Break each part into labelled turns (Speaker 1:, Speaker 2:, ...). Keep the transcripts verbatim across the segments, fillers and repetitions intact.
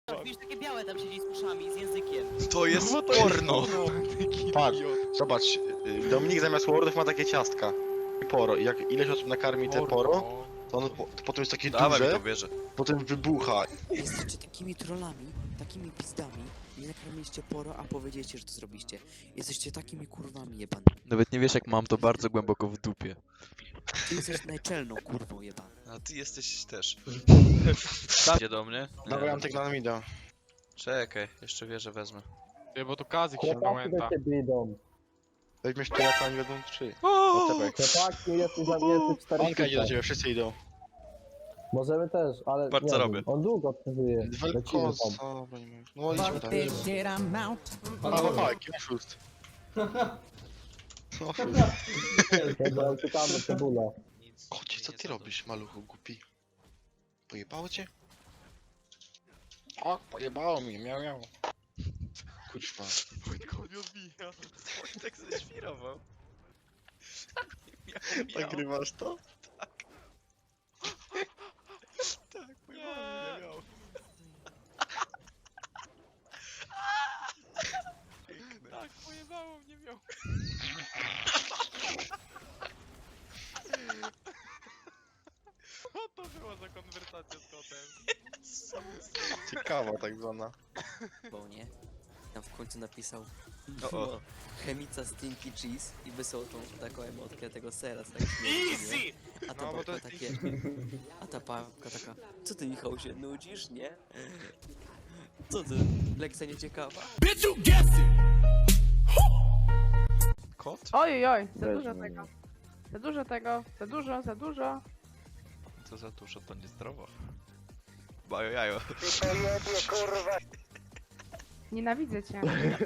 Speaker 1: Widzisz, takie białe tam siedzi z uszami, z językiem.
Speaker 2: To jest porno!
Speaker 3: Patrz, zobacz, y, Dominik zamiast Wordów ma takie ciastka. Poro. I jak ileś osób nakarmi te poro, to ono po, to potem jest takie
Speaker 2: Dawaj mi to
Speaker 3: duże,
Speaker 2: bierze.
Speaker 3: potem wybucha.
Speaker 4: Jesteście takimi trollami, takimi pizdami. Nie nakarmiliście poro, a powiedzieliście, że to zrobiście. Jesteście takimi kurwami jebanymi.
Speaker 5: Nawet nie wiesz jak mam to bardzo głęboko w dupie.
Speaker 4: Ty jesteś najczelną kurwą jebana.
Speaker 2: A ty jesteś też. Idzie do mnie?
Speaker 3: Dawaj Antek na mida.
Speaker 2: Czekaj, jeszcze wieżę wezmę.
Speaker 6: Nie, bo to Kazik się
Speaker 7: Chłopaki
Speaker 6: pamięta.
Speaker 7: do ciebie idą.
Speaker 3: Weźmiesz tyle, co oni będą trzy.
Speaker 2: O!
Speaker 3: Otepek.
Speaker 7: Chłopaki, jesteś za mnie, jesteś cztery
Speaker 3: Anka idzie do
Speaker 7: tysiące.
Speaker 3: ciebie, wszyscy idą.
Speaker 7: Możemy też, ale
Speaker 2: Patrz,
Speaker 7: nie
Speaker 2: co
Speaker 7: wiem,
Speaker 2: robię.
Speaker 7: on długo przeżyje. Lecimy
Speaker 3: Welkos.
Speaker 7: tam.
Speaker 3: O, bo nie mówię. No idźmy tam. A,
Speaker 8: Panowie,
Speaker 3: pa, jaki oszust. No, oszust.
Speaker 7: Dobra, uciekamy, cebula.
Speaker 3: Kocie, co ty robisz, maluchu głupi? Pojebało cię? O, pojebało mnie, miał, miał. Kurwa.
Speaker 2: Wojtko mnie odbija. Wojtek ześwirował. Miał, miał.
Speaker 3: Nagrywasz to?
Speaker 2: Tak, pojebało mnie, miał.
Speaker 6: Tak, pojebało mnie miał. Co to była za konwersacja z kotem?
Speaker 3: Ciekawa tak zwana.
Speaker 4: Bo nie? Tam w końcu napisał
Speaker 2: O, o.
Speaker 4: chemica stinky cheese i wysłał tą taką emotkę tego sera z tak śmiesznie, nie? A ta
Speaker 6: No, bo to
Speaker 4: babka
Speaker 6: jest
Speaker 4: takie... A ta babka taka... Co ty Michał się nudzisz, nie? Co ty? Lekcja nieciekawa?
Speaker 2: Kot?
Speaker 9: Oj, oj, za
Speaker 7: Weź
Speaker 9: dużo
Speaker 7: mnie.
Speaker 9: tego. Za dużo tego, za dużo, za dużo.
Speaker 2: Co za dużo, to niezdrowo. Bajo jajo.
Speaker 9: Nienawidzę cię.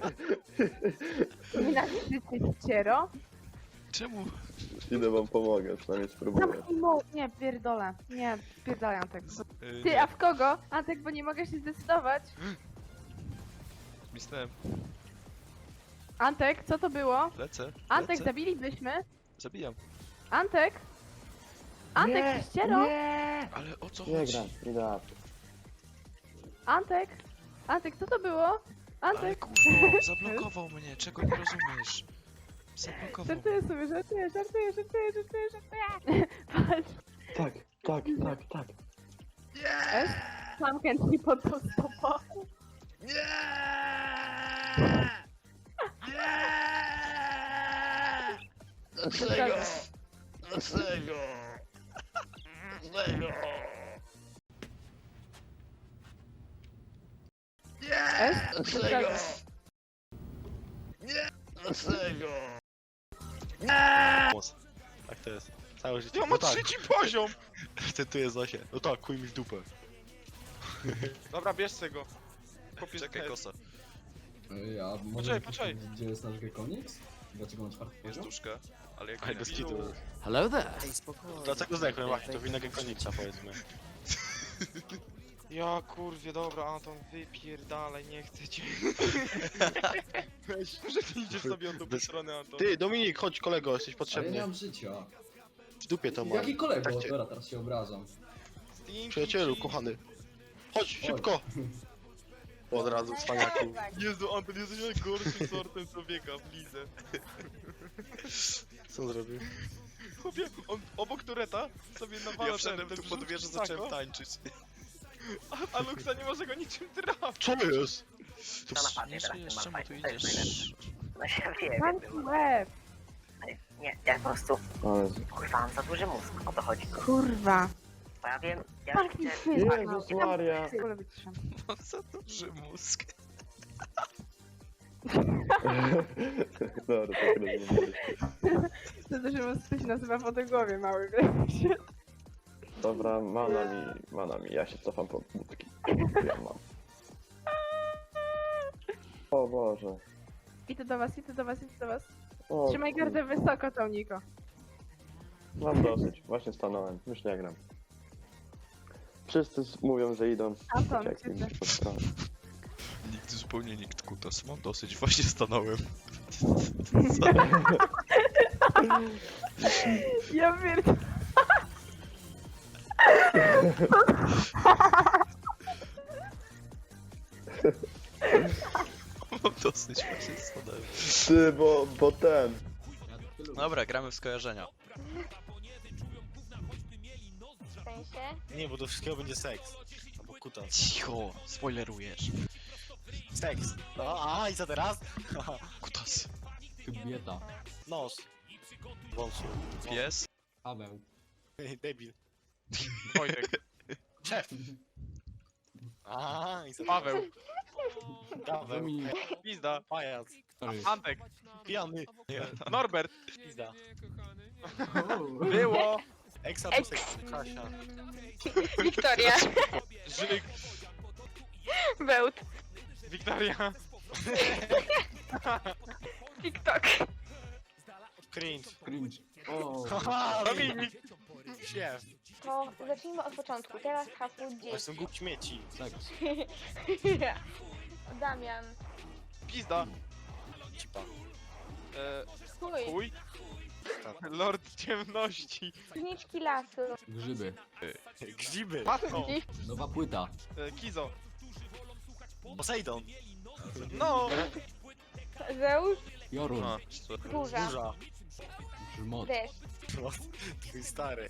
Speaker 9: Nienawidzę cię, ciero.
Speaker 2: Czemu?
Speaker 7: Idę wam pomogę, przynajmniej spróbuję.
Speaker 9: Zamknij mo... Nie, pierdolę. Nie, pierdolę Antek.
Speaker 2: Yy,
Speaker 9: Ty, a w kogo? Antek, bo nie mogę się zdecydować.
Speaker 2: Myślałem,
Speaker 9: Antek, co to było?
Speaker 2: lecę,
Speaker 9: Antek,
Speaker 2: lecę.
Speaker 9: zabilibyśmy?
Speaker 2: Zabijam.
Speaker 9: Antek? Antek,
Speaker 7: Nie,
Speaker 9: ty ściero?
Speaker 2: Ale o co
Speaker 7: Nie
Speaker 2: chodzi?
Speaker 7: gram, idę.
Speaker 9: Antek? Antek, co to było?
Speaker 2: Ale
Speaker 9: Antek?
Speaker 2: kurwa, zablokował mnie, czego nie rozumiesz? Zablokował.
Speaker 9: Żartuję sobie, żartuję, żartuję, żartuję, żartuję, żartuję. Patrz,
Speaker 7: Tak, tak, tak, tak.
Speaker 9: S, sam chętnie pod tą stopą.
Speaker 3: Dlaczego? Dlaczego? Dlaczego?
Speaker 9: S,
Speaker 3: Dlaczego? Dlaczego? Tak to jest. Całe życie.
Speaker 6: Ja
Speaker 3: No
Speaker 6: mam
Speaker 3: tak,
Speaker 6: trzeci poziom!
Speaker 3: ty tu jest Zosie. No tak, kuj mi w dupę.
Speaker 6: Dobra, bierz tego. Kopiesz
Speaker 2: Czekaj,
Speaker 6: ten.
Speaker 2: kosa.
Speaker 8: Ej, a może
Speaker 6: Poczekaj, poczekaj.
Speaker 8: gdzie jest nasz Gekoniks? Dlaczego mam czwarty
Speaker 2: Jest
Speaker 8: poziom?
Speaker 2: duszka, ale jak
Speaker 3: Ale
Speaker 2: nie
Speaker 3: bez
Speaker 2: wiem,
Speaker 3: kitu.
Speaker 4: Hello there! Ej, spokojnie.
Speaker 3: Dlaczego zdechłem właśnie, to wina Gekoniksa powiedzmy.
Speaker 6: Ja kurwie, dobra, Anton, wypierdalaj, nie chcę cię. Weź, że ty idziesz sobie od dupy
Speaker 3: Bez-
Speaker 6: strony, Anton.
Speaker 3: Ty, Dominik, chodź kolego, jesteś
Speaker 8: Ale ja
Speaker 3: potrzebny.
Speaker 8: nie mam życia.
Speaker 3: W dupie to mam.
Speaker 8: Jaki kolego?
Speaker 3: Tak cię-
Speaker 8: Dobra, teraz się obrażam.
Speaker 6: Stinky
Speaker 3: Przyjacielu,
Speaker 6: cheese.
Speaker 3: kochany. Chodź, szybko! Od razu, cwaniaku.
Speaker 6: Jezu, Anton, jesteś najgorszym sortem człowieka w lidze.
Speaker 3: Co on zrobił?
Speaker 6: Chłopie, on obok tureta sobie nawala
Speaker 2: Ja
Speaker 6: ten,
Speaker 2: wszedłem
Speaker 6: ten
Speaker 2: tu pod
Speaker 6: brzuch
Speaker 2: wieżę,
Speaker 6: w sako,
Speaker 2: zacząłem tańczyć.
Speaker 6: a, a Luxa nie może go niczym trafić.
Speaker 3: Co jest? Tu...
Speaker 2: Nie żyjesz, czemu tu idziesz?
Speaker 10: No się wie,
Speaker 9: zamknij łeb.
Speaker 10: nie, ja po prostu,
Speaker 7: Ale...
Speaker 10: kurwa, mam za duży mózg, o to chodzi.
Speaker 9: Kurwa.
Speaker 10: Bo ja wiem, ja
Speaker 9: Zamknij
Speaker 10: widzę,
Speaker 9: się.
Speaker 7: Jezus Maria.
Speaker 9: Wolę wyciszam.
Speaker 2: Mam za duży mózg.
Speaker 7: Dobra, tak rozumiem.
Speaker 9: To też coś się nazywa fotogłowie mały, wiesz?
Speaker 7: Dobra, mana mi, mana mi, ja się cofam po budki. Ja mam. O Boże.
Speaker 9: Idę do was, idę do was, idę do was.
Speaker 7: O,
Speaker 9: Trzymaj gardę wysoko, tą Niko.
Speaker 7: Mam dosyć, właśnie stanąłem, już nie gram. Wszyscy s- mówią, że idą.
Speaker 9: Anton,
Speaker 7: Jak mi
Speaker 9: ciebie.
Speaker 7: po stronę.
Speaker 2: Nikt, zupełnie nikt kutas. Mam dosyć, właśnie stanąłem.
Speaker 9: Ja pierdolę.
Speaker 5: Mam dosyć właśnie spadałem.
Speaker 7: Ty, bo, bo ten.
Speaker 5: Dobra, gramy w skojarzenia.
Speaker 11: W sensie?
Speaker 3: Nie, bo do wszystkiego będzie seks. Albo kutas.
Speaker 5: Cicho, spoilerujesz.
Speaker 3: Seks. No, a i co teraz?
Speaker 5: Kutas.
Speaker 8: Kobieta.
Speaker 3: Nos. Wąsu.
Speaker 5: Pies.
Speaker 8: Paweł.
Speaker 3: Debil.
Speaker 6: Wojtek.
Speaker 3: Szef. A i co
Speaker 6: Paweł.
Speaker 3: Gaweł.
Speaker 8: Dominik.
Speaker 6: Pizda.
Speaker 3: Pajac.
Speaker 8: Sorry.
Speaker 6: Antek.
Speaker 3: Pijany.
Speaker 6: Norbert.
Speaker 3: Pizda.
Speaker 6: Było.
Speaker 3: Eksa
Speaker 11: Eks.
Speaker 3: seks. Kasia.
Speaker 11: Wiktoria.
Speaker 6: Żyk.
Speaker 11: Bełt.
Speaker 6: Wiktoria.
Speaker 11: TikTok.
Speaker 3: Cringe.
Speaker 8: Cringe. O.
Speaker 3: Haha,
Speaker 6: Dominik.
Speaker 3: Siew.
Speaker 11: To zacznijmy od początku. Teraz hasło
Speaker 3: To
Speaker 11: dzieci.
Speaker 3: są głup śmieci.
Speaker 8: Seks.
Speaker 11: Damian.
Speaker 6: Pizda.
Speaker 3: Cipa.
Speaker 6: E,
Speaker 11: Chuj.
Speaker 6: chuj. Lord ciemności.
Speaker 11: Zniczki lasu.
Speaker 8: Grzyby.
Speaker 3: Grzyby.
Speaker 6: Patno.
Speaker 8: Nowa płyta.
Speaker 6: E, Kizo.
Speaker 3: Poseidon.
Speaker 6: No.
Speaker 11: Zeus.
Speaker 8: Jorun.
Speaker 5: A,
Speaker 11: Burza.
Speaker 3: Burza.
Speaker 8: Grzmot.
Speaker 11: Deszcz.
Speaker 3: Twój stary.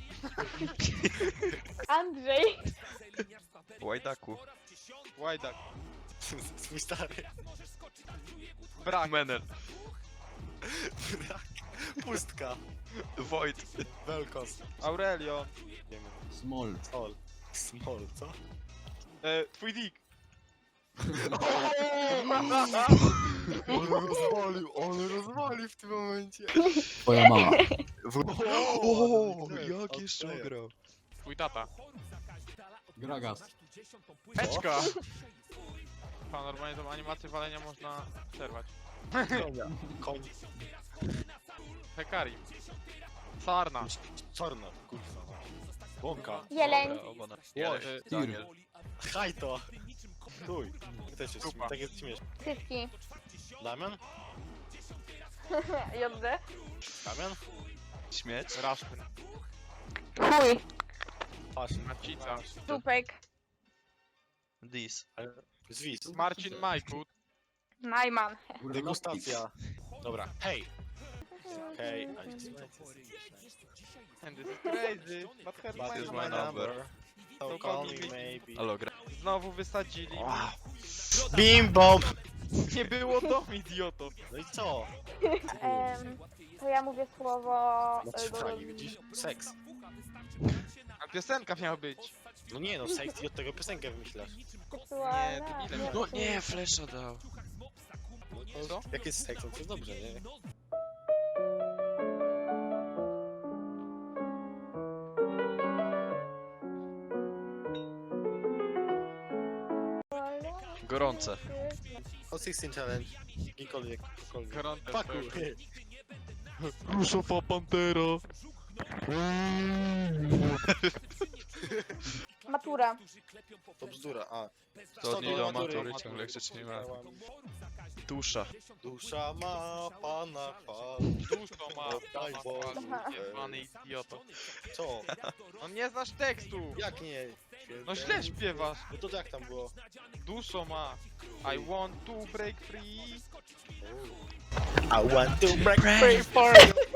Speaker 11: Andrzej.
Speaker 5: Łajdaku.
Speaker 6: Łajdak.
Speaker 3: Twój stary.
Speaker 6: Brak.
Speaker 5: Menel.
Speaker 3: Brak. Pustka.
Speaker 5: Wojt.
Speaker 3: Velkos.
Speaker 6: Aurelio.
Speaker 3: Wiemy.
Speaker 8: Small.
Speaker 3: Sol. Small, co?
Speaker 6: E, twój dick.
Speaker 3: On rozwalił, on rozwalił w tym momencie.
Speaker 8: Twoja mama.
Speaker 5: O,
Speaker 3: Ten,
Speaker 5: jak
Speaker 3: od
Speaker 5: jeszcze
Speaker 3: player.
Speaker 5: ograł?
Speaker 6: Twój tata.
Speaker 8: Gragas.
Speaker 6: Peczka. Pa, normalnie tą animację walenia można przerwać.
Speaker 3: Konia. Koń.
Speaker 6: Hekari. Sarna.
Speaker 3: Czarno, kurwa. Łąka.
Speaker 11: Jeleń.
Speaker 5: Dobra, oba na...
Speaker 3: Łoś.
Speaker 5: Daniel.
Speaker 3: Hajto. Tuj. Też jest,
Speaker 6: Dupa.
Speaker 3: tak jest śmieszne.
Speaker 11: Cyski.
Speaker 3: Damian?
Speaker 11: J D.
Speaker 3: Damian?
Speaker 5: Śmieć.
Speaker 6: Raszpyn.
Speaker 11: Chuj.
Speaker 3: Patrz.
Speaker 6: Macica.
Speaker 11: Dupek.
Speaker 5: Dis.
Speaker 3: Zwis.
Speaker 6: Marcin Majkut.
Speaker 11: Najman.
Speaker 3: Degustacja. Dobra. Hej. Hej. I just
Speaker 6: And this is crazy. But her
Speaker 3: But
Speaker 6: my
Speaker 5: is
Speaker 3: my
Speaker 5: my
Speaker 6: number.
Speaker 5: number.
Speaker 3: So call me maybe.
Speaker 5: Halo, gra.
Speaker 6: Znowu wysadzili.
Speaker 3: Bim bom!
Speaker 6: Nie było domu, idioto.
Speaker 3: No i co?
Speaker 11: Em, to ja mówię słowo...
Speaker 3: No
Speaker 11: e,
Speaker 3: fragi, widzisz? Seks.
Speaker 6: A piosenka miała być.
Speaker 3: No nie no, seks i od tego piosenkę wymyślasz.
Speaker 11: seksualna.
Speaker 6: Nie, debile.
Speaker 5: No nie, flesza dał.
Speaker 3: No to
Speaker 6: Co?
Speaker 3: jak jest seks, no to jest dobrze, nie?
Speaker 5: Gorące.
Speaker 3: O sixteen challenge. Jakikolwiek, jakikolwiek.
Speaker 6: Gorące.
Speaker 3: Pakuj.
Speaker 5: Ruszowa pantera.
Speaker 11: Matura.
Speaker 3: To bzdura, a.
Speaker 5: To nie
Speaker 3: do
Speaker 5: do
Speaker 3: matury.
Speaker 5: matury, ciągle krzyczy nie ma. Dusza.
Speaker 3: Dusza ma pana chwal.
Speaker 6: Dużo ma.
Speaker 3: Daj Boże.
Speaker 11: Aha.
Speaker 6: Jebany idioto.
Speaker 3: Co?
Speaker 6: No nie znasz tekstu.
Speaker 3: Jak nie?
Speaker 6: No źle śpiewasz.
Speaker 3: No to jak tam było?
Speaker 6: Dużo ma. I want to break free.
Speaker 3: I want to break
Speaker 5: free
Speaker 3: for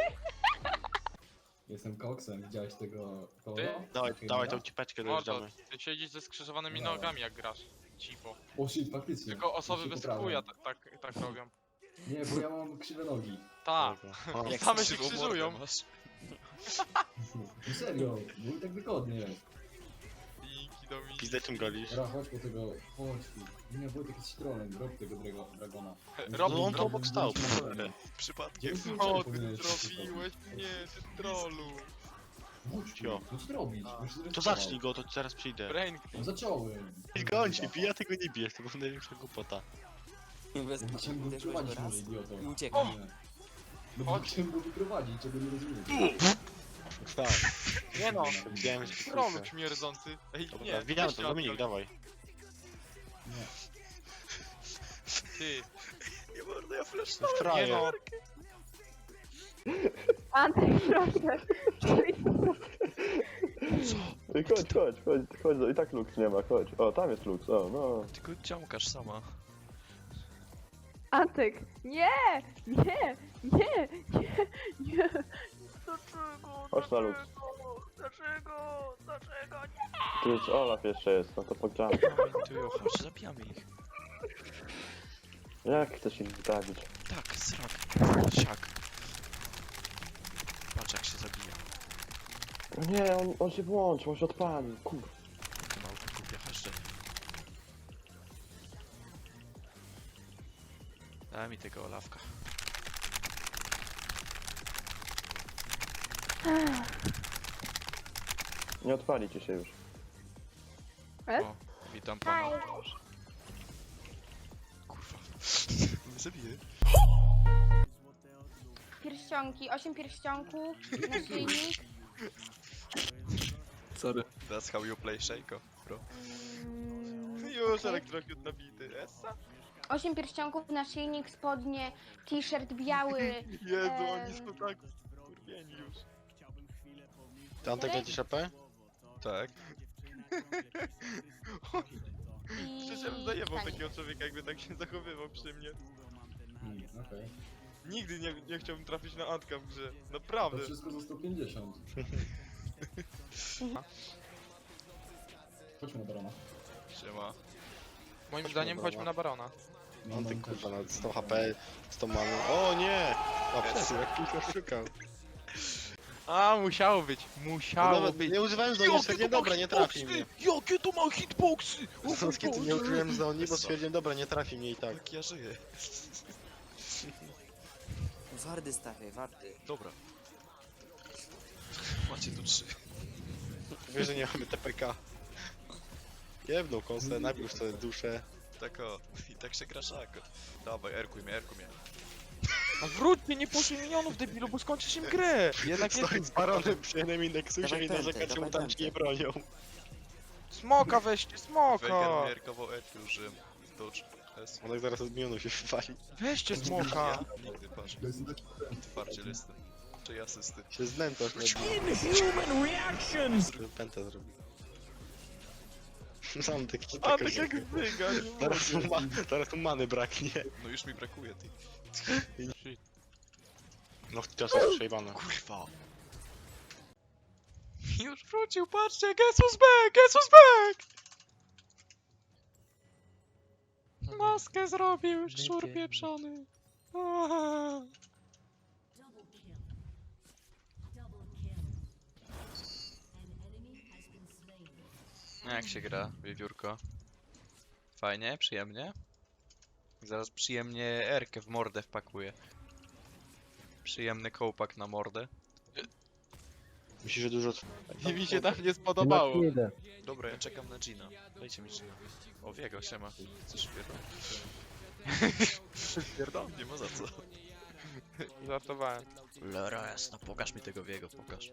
Speaker 8: Jestem koksem. Widziałeś tego koło?
Speaker 6: Ty?
Speaker 3: Dawaj, dawaj tą cipeczkę
Speaker 6: Mordo,
Speaker 3: dojeżdżamy.
Speaker 6: ty siedzisz ze skrzyżowanymi
Speaker 8: No.
Speaker 6: nogami jak grasz. Cipo.
Speaker 8: O shit, faktycznie.
Speaker 6: Tylko osoby
Speaker 8: Już się
Speaker 6: bez
Speaker 8: poprawiam.
Speaker 6: chuja tak, tak, tak robią.
Speaker 8: Nie, bo ja mam krzywe nogi.
Speaker 6: Ta.
Speaker 3: O,
Speaker 5: Jak
Speaker 6: Same się
Speaker 5: krzywą
Speaker 6: krzyżują.
Speaker 5: mordę masz.
Speaker 8: No serio, było tak wygodnie.
Speaker 6: Linki do mi.
Speaker 3: Pizdę czym golisz?
Speaker 8: Ra, chodź po tego, chodź tu. Nie, Wojtek jest citronem, rob tego drago, dragona.
Speaker 6: Rob,
Speaker 3: No on to
Speaker 6: rob.
Speaker 3: obok stał.
Speaker 5: Przypadkiem.
Speaker 6: Co ty zrobiłeś? Nie, ty trollu.
Speaker 8: Chodź tu,
Speaker 3: Cio.
Speaker 8: no co ty robisz? Już się
Speaker 3: To
Speaker 8: zrespirował.
Speaker 3: zacznij go, to zaraz przyjdę.
Speaker 6: Brain.
Speaker 8: No zacząłem.
Speaker 3: Gońcie, ja tego nie bijesz, to była największa głupota.
Speaker 4: Bez
Speaker 8: Ja chciałem go
Speaker 4: uderzyłeś
Speaker 8: wyprowadzić,
Speaker 4: go raz
Speaker 8: może idioto.
Speaker 4: i uciekał.
Speaker 8: Nie. No bo chciałem go wyprowadzić, czego nie rozumiem.
Speaker 3: Tak. Nie no, widziałem, że ci
Speaker 6: Trollu
Speaker 3: kurczę.
Speaker 6: śmierdzący. Ej,
Speaker 3: Dobra,
Speaker 6: nie,
Speaker 3: widziałem
Speaker 6: weź
Speaker 3: to,
Speaker 6: się
Speaker 3: Dominik,
Speaker 6: odpal.
Speaker 3: dawaj.
Speaker 8: Nie.
Speaker 6: Ty.
Speaker 5: Nie mordę, ja flesz.
Speaker 6: Nie
Speaker 3: Frajer.
Speaker 6: no.
Speaker 9: Antek, proszę.
Speaker 5: Co?
Speaker 7: Ej, chodź, chodź, chodź, chodź, i tak Lux nie ma, chodź. O, tam jest Lux, o, no.
Speaker 5: Tylko ciąkasz sama.
Speaker 9: Antek, nie! Nie! Nie! Nie! Nie! Dlaczego?
Speaker 7: Chodź na Lux.
Speaker 9: Dlaczego? Dlaczego? Nie!
Speaker 7: Tu już Olaf jeszcze jest, no to pogrzamy.
Speaker 2: Tujo, chodź, zabijamy ich.
Speaker 7: Jak chcesz ich zabić?
Speaker 2: Tak, srak. Siak. Patrz jak się zabija.
Speaker 7: O nie, on, on się włączył, on się odpalił, kur...
Speaker 2: To małpy kupię, chodźcie. Daj mi tego Olafka.
Speaker 7: Nie odpali ci się już.
Speaker 2: O, witam pana.
Speaker 11: Hej.
Speaker 2: Kurwa. Nie zabiję.
Speaker 11: Pierścionki, osiem pierścionków, naszyjnik.
Speaker 5: Sorry. That's how you play Shaco, bro.
Speaker 11: Mm,
Speaker 6: Już
Speaker 11: okej.
Speaker 6: elektrokut nabity. Essa?
Speaker 11: osiem pierścionków, naszyjnik, spodnie, t-shirt biały.
Speaker 6: Jezu,
Speaker 11: Em.
Speaker 6: oni są tak skurwieni już.
Speaker 3: Ty Antek lecisz A P?
Speaker 5: Tak.
Speaker 11: I...
Speaker 6: Przecież ja bym zajebał
Speaker 11: stanik.
Speaker 6: takiego człowieka, jakby tak się zachowywał przy mnie.
Speaker 8: Hmm, okej.
Speaker 6: Nigdy nie, nie chciałbym trafić na Antka w grze.
Speaker 8: To
Speaker 6: Naprawdę.
Speaker 8: wszystko za sto pięćdziesiąt. Chodźmy na barona.
Speaker 5: Siema.
Speaker 6: Moim
Speaker 3: Chodźmy
Speaker 6: zdaniem
Speaker 3: na
Speaker 6: chodźmy na Barona.
Speaker 8: No,
Speaker 3: Antek
Speaker 8: no,
Speaker 3: kurwa na sto H P, sto many. O nie! A przesył, jak tylko szukał.
Speaker 6: A, musiało być.
Speaker 3: No
Speaker 6: Musiało
Speaker 3: nawet
Speaker 6: być.
Speaker 3: nie używałem z oni, stwierdziłem dobra, nie trafi mnie.
Speaker 6: Jakie to ma hitboxy!
Speaker 3: Z kiedy nie użyłem z oni, bo stwierdziłem dobra, nie trafi mnie i tak.
Speaker 5: Jak ja żyję.
Speaker 4: Wardy stawiaj, wardy.
Speaker 5: Dobra. Macie tu trzy.
Speaker 3: Wiesz, że nie mamy T P K. Jebnął kąsę, nabił sobie duszę.
Speaker 5: Tak o. I tak się gra Shaco. Dawaj, erkuj mnie, erkuj mnie.
Speaker 6: A wróćcie, nie poszli minionów, debilu, bo skończysz im grę! Jednak nie...
Speaker 3: Stoi z baronem przy jednym indeksusie
Speaker 4: Dawaj
Speaker 3: i
Speaker 4: pętę,
Speaker 3: narzeka, czemu
Speaker 4: dawaj
Speaker 3: tam ci nie
Speaker 4: pętę.
Speaker 3: bronią.
Speaker 6: Smoka weźcie, smoka!
Speaker 5: Wejger mierkował erki użyłem. Dodge. S.
Speaker 3: Onek zaraz od milionu się wywali.
Speaker 6: Weźcie smoka!
Speaker 5: Nigdy, patrz.
Speaker 8: To jest taki
Speaker 5: Twardzie listy. Czy asysty.
Speaker 3: Się znęcasz na dół. Pętę zrobił. Sam taki
Speaker 6: A tak jak wyga, nie
Speaker 3: Teraz mu, ma, teraz mu many braknie.
Speaker 5: No już mi brakuje, ty.
Speaker 3: No czasem jest przejebane.
Speaker 5: Kurwa. Już wrócił, patrzcie, Jesus back, Jesus back! Maskę zrobił, szczur pieprzony. Aaaa. Jak się gra, wiewiórko? Fajnie, przyjemnie? Zaraz przyjemnie erkę w mordę wpakuję. Przyjemny kołpak na mordę.
Speaker 3: Myślisz, że dużo...
Speaker 6: I mi się tam nie spodobało.
Speaker 5: Dobra, ja czekam na Gina. Dajcie mi Gina. O, Wiego, siema. Chcesz pierdolę? Pierdolę, nie ma za co.
Speaker 6: Żartowałem.
Speaker 5: Lera jasna, pokaż mi tego Wiego, pokaż.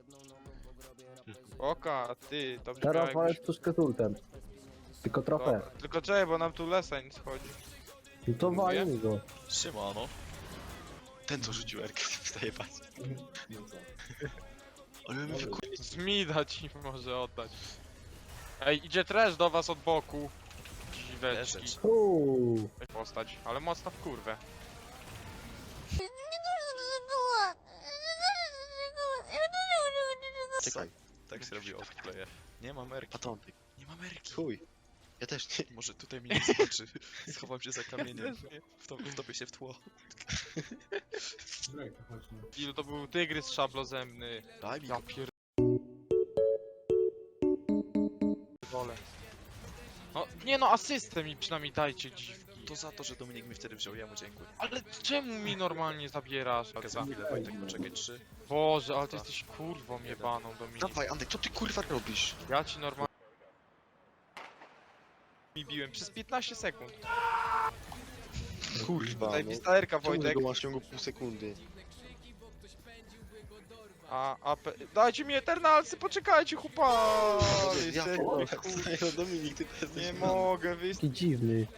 Speaker 6: Oka, ty, to brzmiało
Speaker 12: Teraz
Speaker 6: jakbyś...
Speaker 12: walcz tu z ketultem. Tylko trochę.
Speaker 6: Dobra, tylko czekaj, bo nam tu Lesań schodzi.
Speaker 12: No to walnij go.
Speaker 5: Siemano.
Speaker 3: Ten co rzucił erkę, wstaje patrz.
Speaker 8: no co?
Speaker 3: Ale my wyku...
Speaker 6: Zmida ci może oddać. Ej, idzie trash do was od boku. Dziweczki.
Speaker 5: Leżeć.
Speaker 12: Uuu.
Speaker 6: Postać, ale mocno w kurwę.
Speaker 3: Czekaj,
Speaker 5: Tak się robi offplaye. Nie mam erki.
Speaker 3: patontyk.
Speaker 5: Nie mam erki.
Speaker 3: Chuj. Ja też nie.
Speaker 5: Może tutaj mnie nie zobaczy. Schowam się za kamieniem. Wtop, wtopię się w tło.
Speaker 8: Drake, chodźmy.
Speaker 6: Ilu to był tygrys szablozębny.
Speaker 5: Daj mi
Speaker 6: Ja
Speaker 5: go.
Speaker 6: pier... Wolę. No, nie no, asystę mi przynajmniej dajcie, dziwki.
Speaker 5: To za to, że Dominik mi wtedy wziął, ja mu dziękuję.
Speaker 6: Ale czemu mi normalnie zabierasz?
Speaker 5: Za chwilę, Wojtek, poczekaj, trzy.
Speaker 6: Boże, ale ty jesteś kurwą jebaną, Dominik.
Speaker 3: Dawaj, Andek, co ty kurwa robisz?
Speaker 6: Ja ci normalnie... mi biłem przez piętnaście sekund.
Speaker 3: Kurwa,
Speaker 6: Tutaj
Speaker 3: no.
Speaker 6: pistolerka,
Speaker 3: Czemu
Speaker 6: Wojtek.
Speaker 3: go masz w ciągu pół sekundy?
Speaker 6: A, a, pe... dajcie mi Eternalsy, poczekajcie, chłopaki!
Speaker 3: Ja
Speaker 6: Jesteś-
Speaker 3: p***a, Dominik, ty to jesteś...
Speaker 6: Nie mogę, wy
Speaker 12: Taki dziwny.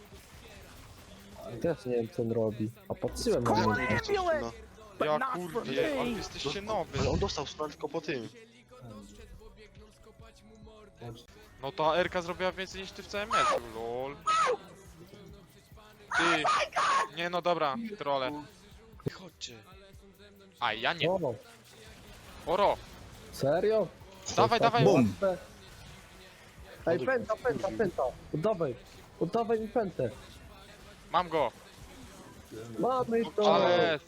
Speaker 12: Też nie wiem co on robi. A patrzyłem na niego.
Speaker 3: No.
Speaker 6: Ja kurwie, ale wy jesteście nowy.
Speaker 3: Ale on dostał stun tylko po tym.
Speaker 8: Chodź.
Speaker 6: No ta Erka zrobiła więcej niż ty w całym meczu, lol. Ty. Nie no dobra, trole.
Speaker 2: Chodźcie.
Speaker 6: A ja nie.
Speaker 12: O,
Speaker 6: Oro,
Speaker 12: serio?
Speaker 6: dawaj, dawaj.
Speaker 12: Bum. Ej, pęta, pęta, pęta. Oddawaj. Oddawaj mi pętę.
Speaker 6: Mam go.
Speaker 12: Mamy to.
Speaker 6: Ale